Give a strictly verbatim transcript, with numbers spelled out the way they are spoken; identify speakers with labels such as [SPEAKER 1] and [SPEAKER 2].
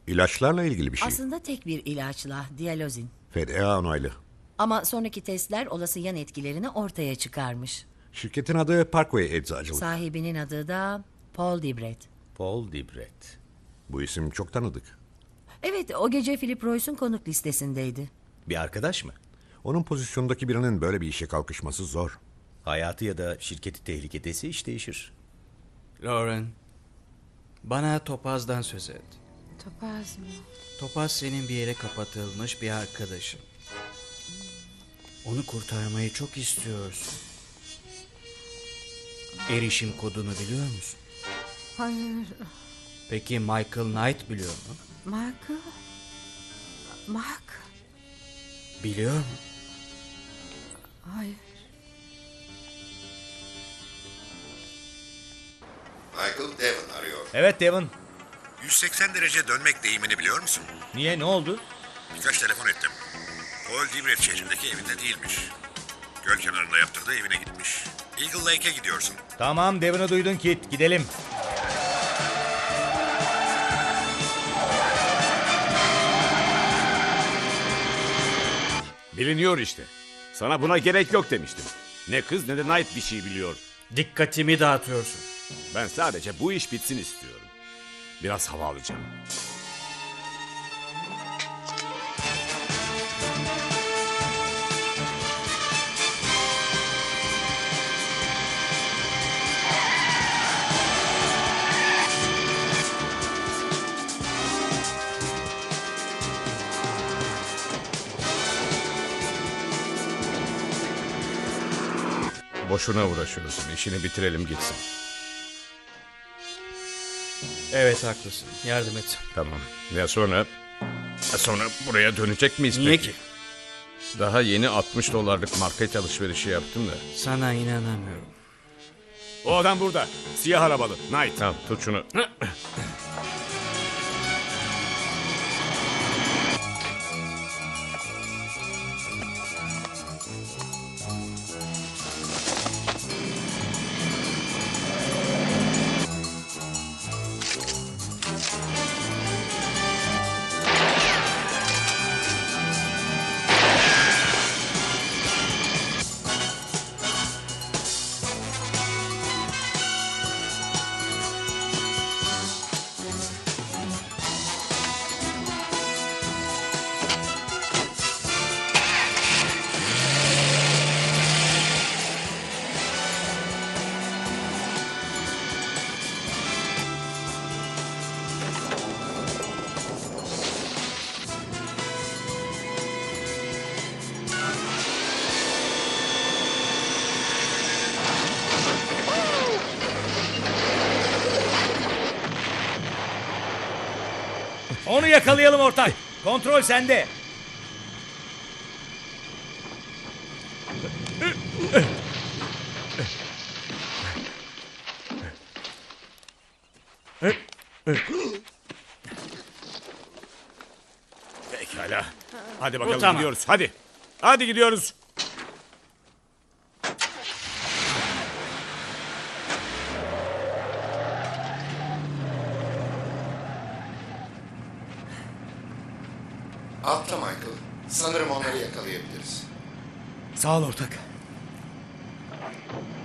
[SPEAKER 1] İlaçlarla ilgili bir şey.
[SPEAKER 2] Aslında tek bir ilaçla, diyalozin.
[SPEAKER 1] F D A onaylı.
[SPEAKER 2] Ama sonraki testler olası yan etkilerini ortaya çıkarmış.
[SPEAKER 1] Şirketin adı Parkway Eczacılık.
[SPEAKER 2] Sahibinin adı da Paul Dibret.
[SPEAKER 3] Paul Dibret.
[SPEAKER 1] Bu isim çok tanıdık.
[SPEAKER 2] Evet, o gece Philip Royce'un konuk listesindeydi.
[SPEAKER 3] Bir arkadaş mı?
[SPEAKER 1] Onun pozisyondaki birinin böyle bir işe kalkışması zor.
[SPEAKER 3] Hayatı ya da şirketi tehlikedeyse iş değişir.
[SPEAKER 4] Lauren, bana Topaz'dan söz et.
[SPEAKER 5] Topaz mı?
[SPEAKER 4] Topaz senin bir yere kapatılmış bir arkadaşın. Onu kurtarmayı çok istiyorsun. Erişim kodunu biliyor musun?
[SPEAKER 5] Hayır.
[SPEAKER 4] Peki Michael Knight biliyor mu?
[SPEAKER 5] Michael? Mark?
[SPEAKER 4] Biliyor mu?
[SPEAKER 5] Hayır.
[SPEAKER 1] Michael Devon arıyor.
[SPEAKER 3] Evet Devon.
[SPEAKER 1] yüz seksen derece dönmek deyimini biliyor musun?
[SPEAKER 3] Niye, ne oldu?
[SPEAKER 1] Birkaç telefon ettim. Paul Dibret şehrindeki evinde değilmiş. Göl kenarında yaptırdığı evine gitmiş. Eagle Lake'e gidiyorsun.
[SPEAKER 3] Tamam Devon'u duydun Kit, gidelim.
[SPEAKER 6] Biliniyor işte. Sana buna gerek yok demiştim. Ne kız ne de Knight bir şey biliyor.
[SPEAKER 4] Dikkatimi dağıtıyorsun.
[SPEAKER 6] Ben sadece bu iş bitsin istiyorum. Biraz hava alacağım.
[SPEAKER 7] Boşuna uğraşıyorsun. İşini bitirelim gitsin.
[SPEAKER 4] Evet haklısın. Yardım et.
[SPEAKER 7] Tamam. Ya sonra? Ya sonra buraya dönecek miyiz
[SPEAKER 4] Niye
[SPEAKER 7] peki?
[SPEAKER 4] ki?
[SPEAKER 7] Daha yeni altmış dolarlık market alışverişi yaptım da.
[SPEAKER 4] Sana inanamıyorum.
[SPEAKER 6] O adam burada. Siyah arabalı. Knight.
[SPEAKER 7] Tamam tut şunu.
[SPEAKER 3] Onu yakalayalım ortak. Kontrol sende.
[SPEAKER 6] Pekala. Hadi bakalım
[SPEAKER 4] tamam.
[SPEAKER 6] gidiyoruz. Hadi. Hadi gidiyoruz.
[SPEAKER 8] Atla Michael. Sanırım onları yakalayabiliriz.
[SPEAKER 3] Sağ ol ortak.